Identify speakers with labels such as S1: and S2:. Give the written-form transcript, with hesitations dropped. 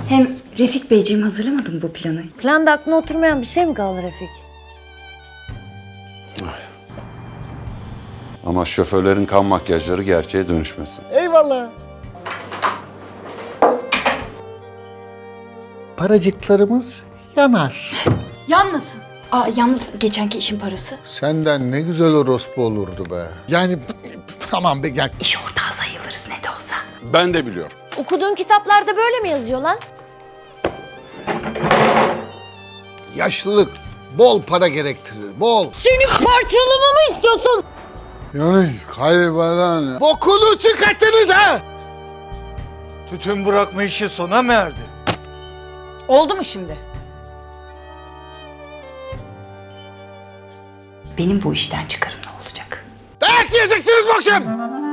S1: Hem Refik Beyciğim hazırlamadı mı bu planı?
S2: Planda aklına oturmayan bir şey mi kaldı Refik?
S3: Ama şoförlerin kan makyajları gerçeğe dönüşmesin.
S4: Eyvallah. Paracıklarımız yanar.
S1: Yanmasın. Yalnız geçenki işin parası.
S4: Senden ne güzel orospu olurdu be. Yani tamam be gel.
S1: İş ortağı sayılırız ne de olsa.
S3: Ben de biliyorum.
S2: Okuduğun kitaplarda böyle mi yazıyor lan?
S4: Yaşlılık bol para gerektirir. Bol.
S2: Seni parçalamamı istiyorsun.
S4: Yani kaybeden. Bokunu çıkarttınız ha.
S5: Tütün bırakma işi sona mı erdi?
S1: Oldu mu şimdi? Benim bu işten çıkarım ne olacak?
S4: Dayak yiyeceksiniz bu akşam.